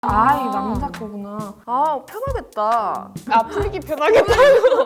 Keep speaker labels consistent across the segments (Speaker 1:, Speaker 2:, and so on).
Speaker 1: 아, 이 남자 거구나. 아, 편하겠다.
Speaker 2: 아, 풀기 편하겠다고.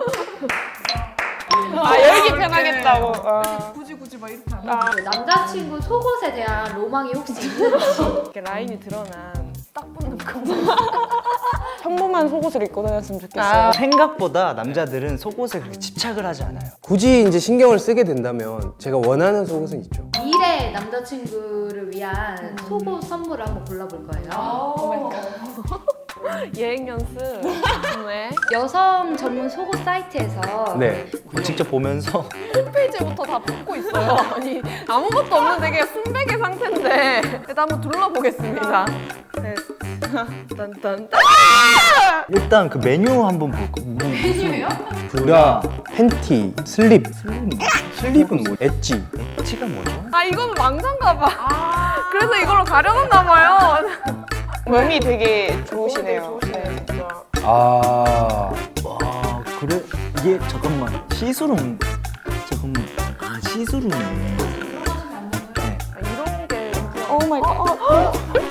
Speaker 2: 아, 열기 편하겠다고.
Speaker 1: 굳이 막 이렇게 안 해.
Speaker 3: 남자친구 속옷에 대한 로망이 혹시 있는지.
Speaker 2: 이렇게 라인이 드러난 딱 붙는 거. 평범한 속옷을 입고 다녔으면 좋겠어요.
Speaker 4: 생각보다 남자들은 속옷에 그렇게 집착을 하지 않아요.
Speaker 5: 굳이 이제 신경을 쓰게 된다면 제가 원하는 속옷은 있죠.
Speaker 3: 미래 남자친구를 위한 속옷 선물을 한번 골라볼 거예요.
Speaker 2: 예행 연습. 네.
Speaker 3: 여성 전문 속옷 사이트에서
Speaker 5: 네.
Speaker 4: 직접 보면서
Speaker 2: 홈페이지부터 다 뽑고 있어요. 아니, 아무것도 없는 되게 순백의 상태인데. 일단 한번 둘러보겠습니다. 네. 딴딴딴.
Speaker 4: 일단 그 메뉴 한번 볼까?
Speaker 3: 메뉴요?
Speaker 5: 브라, 팬티, 슬립. 슬립은 뭐? 엣지.
Speaker 4: 엣지가 뭐죠?
Speaker 2: 아, 이거는 왕자인가 봐. 그래서 이걸로 가려놨나 봐요. 몸이 되게 좋으시네요. 네, 진짜.
Speaker 5: 아,
Speaker 4: 와 그래? 이게 잠깐만 시스룸 잠깐만 시스룸이네.
Speaker 2: 이런 게 오 마이 갓.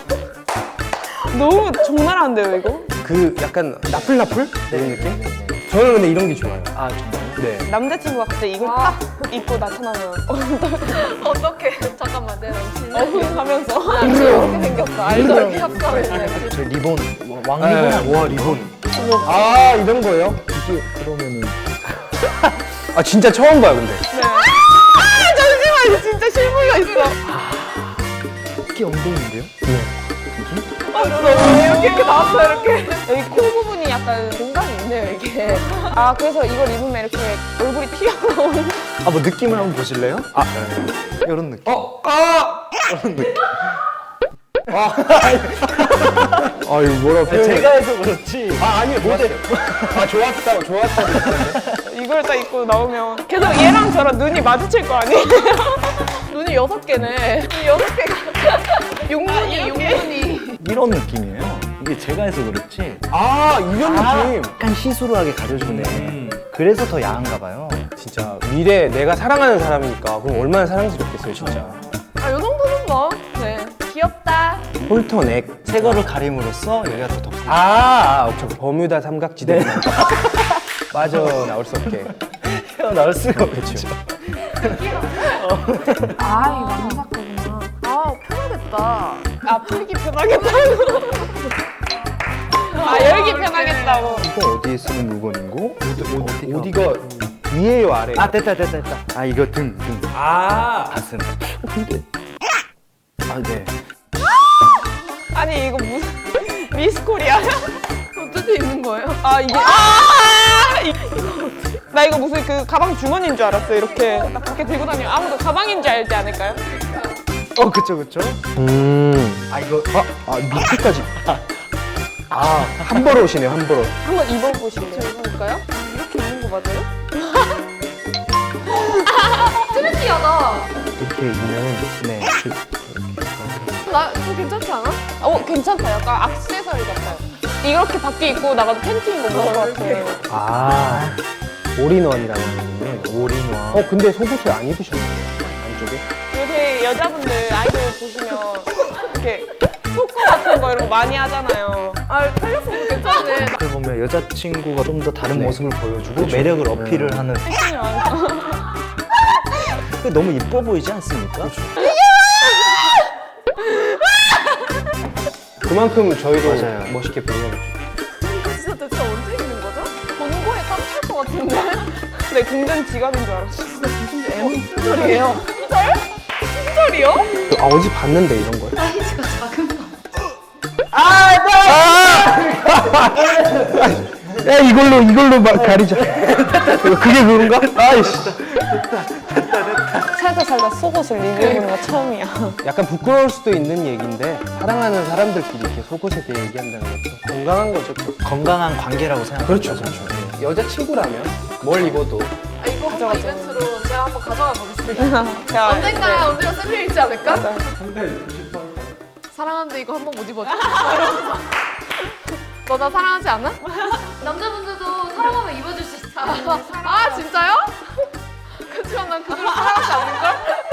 Speaker 2: 너무 장난 안 돼요, 이거?
Speaker 5: 그 약간 나풀나풀? 이런 느낌? 저는 근데 이런 게 좋아요.
Speaker 4: 아 정말요?
Speaker 5: 네.
Speaker 2: 남자친구가 갑자기 이걸 딱 입고 나타나면 어떡해. 잠깐만, 내가 하면서 이렇게 생겼어. 알죠? 이렇게 합성을.
Speaker 4: 저 리본 왕리본.
Speaker 5: 와, 리본. 아, 이런 거예요?
Speaker 4: 이게 그러면은
Speaker 5: 아, 진짜 처음 봐요, 근데.
Speaker 2: 네. 잠시만, 이거 진짜 실물가 있어.
Speaker 4: 이게 엉덩이인데요?
Speaker 2: 이렇게 나왔어요, 이렇게. 여기 코 부분이 약간 공간이 있네요, 이게. 아, 그래서 이걸 입으면 이렇게 얼굴이 튀어나오는.
Speaker 4: 아 뭐 느낌을 한번 보실래요? 아 이런 느낌.
Speaker 5: 아, 이거 뭐라 표현
Speaker 4: 제가 해서 그렇지.
Speaker 5: 아, 아니요, 모델. 아, 좋았다고.
Speaker 2: 이걸 딱 입고 나오면 계속 얘랑 저랑 눈이 마주칠 거 아니에요? 눈이 6개네. 눈이 6개가. 용눈이.
Speaker 4: 이런 느낌이에요. 이게 제가 해서 그렇지.
Speaker 5: 아, 이런 느낌.
Speaker 4: 약간 시스루하게 가려주네. 그래서 더 야한가 봐요.
Speaker 5: 진짜 미래 내가 사랑하는 사람이니까 그럼 얼마나 사랑스럽겠어요, 진짜.
Speaker 2: 아, 요 정도는 뭐. 네. 귀엽다.
Speaker 5: 홀터넥.
Speaker 4: 새 거를 가림으로써 여기가 더 덥고.
Speaker 5: 오케이. 버뮤다 삼각지대. 빠져나올 수 없게.
Speaker 4: 나올 수가 없죠.
Speaker 5: 그렇죠.
Speaker 1: 아, 이 남자 거구나. 아, 편하겠다.
Speaker 2: 아, 풀기 편하겠다고. 아, 열기 편하겠다고.
Speaker 5: 이거 어디에 쓰는 물건인고? 어디가 위에요, 아래?
Speaker 4: 아 됐다. 아 이거 등.
Speaker 5: 아,
Speaker 4: 가슴. 근데 아 네.
Speaker 2: 아니, 이거 무슨 미스 코리아야?
Speaker 1: 어떻게 입는 거예요?
Speaker 2: 아, 이게. 나 이거 무슨 그 가방 주머니인 줄 알았어요. 이렇게 딱 밖에 들고 다니면 아무도 가방인 줄 알지 않을까요?
Speaker 4: 그쵸.
Speaker 5: 아 이거 밑에까지. 한 벌 옷이네요, 한 벌 옷.
Speaker 2: 한번 입어보실래요? 볼까요? 이렇게 입는 거 맞아요?
Speaker 3: 트렌디하다.
Speaker 4: 이렇게 있는 네.
Speaker 2: 나 저 괜찮지 않아? 괜찮다. 약간 액세서리 같아요. 이렇게 밖에 입고 나가도 팬티인 거 모를 것 같아요.
Speaker 5: 아, 올인원이라는 거는.
Speaker 4: 올인원.
Speaker 5: 근데 속옷을 안 입으셨네요, 안쪽에?
Speaker 2: 요새 여자분들 아이돌 보시면 이렇게 초코 같은 거 이런 거 많이 하잖아요.
Speaker 1: 아, 털렸으면 괜찮네.
Speaker 4: 어떻게 보면 여자친구가 좀 더 다른
Speaker 5: 네.
Speaker 4: 모습을 보여주고 매력을 어필을 하는.
Speaker 2: 팬티는 많아서.
Speaker 4: 근데 너무 이뻐 보이지 않습니까?
Speaker 5: 그만큼 저희도
Speaker 4: 맞아요.
Speaker 5: 멋있게 보여야겠죠.
Speaker 2: 이거 진짜 대체 언제 입는 거죠? 본고에 딱 찰 것 같은데? 네, 공전 지갑인 줄 알았어.
Speaker 1: 소리예요.
Speaker 2: 흰털이요?
Speaker 5: 어제 봤는데, 이런 걸.
Speaker 3: 사이즈가 작은 거.
Speaker 5: 야, 이걸로 가리자. 그게 그건가? 아이씨.
Speaker 2: 살다 속옷을 리뷰해보는 거 처음이야.
Speaker 5: 약간 부끄러울 수도 있는 얘기인데, 사랑하는 사람들끼리 이렇게 속옷에 대해 얘기한다는 것도 건강한 거죠. 또.
Speaker 4: 건강한 관계라고 생각합니다.
Speaker 5: 그렇죠. 여자친구라면 뭘 입어도.
Speaker 1: 아, 이거 한번 이벤트로 제가 한번 가져가 보겠습니다.
Speaker 2: 제가
Speaker 1: 언젠가 쓸려 있지 않을까?
Speaker 2: 맞아.
Speaker 1: 사랑하는데 이거 한번 못 입어줘. 너 나 사랑하지 않아?
Speaker 3: 남자분들도 사랑하면 입어줄 수 있어.
Speaker 1: 아, 진짜요? 그치만 난 그걸 사랑하지 않을걸?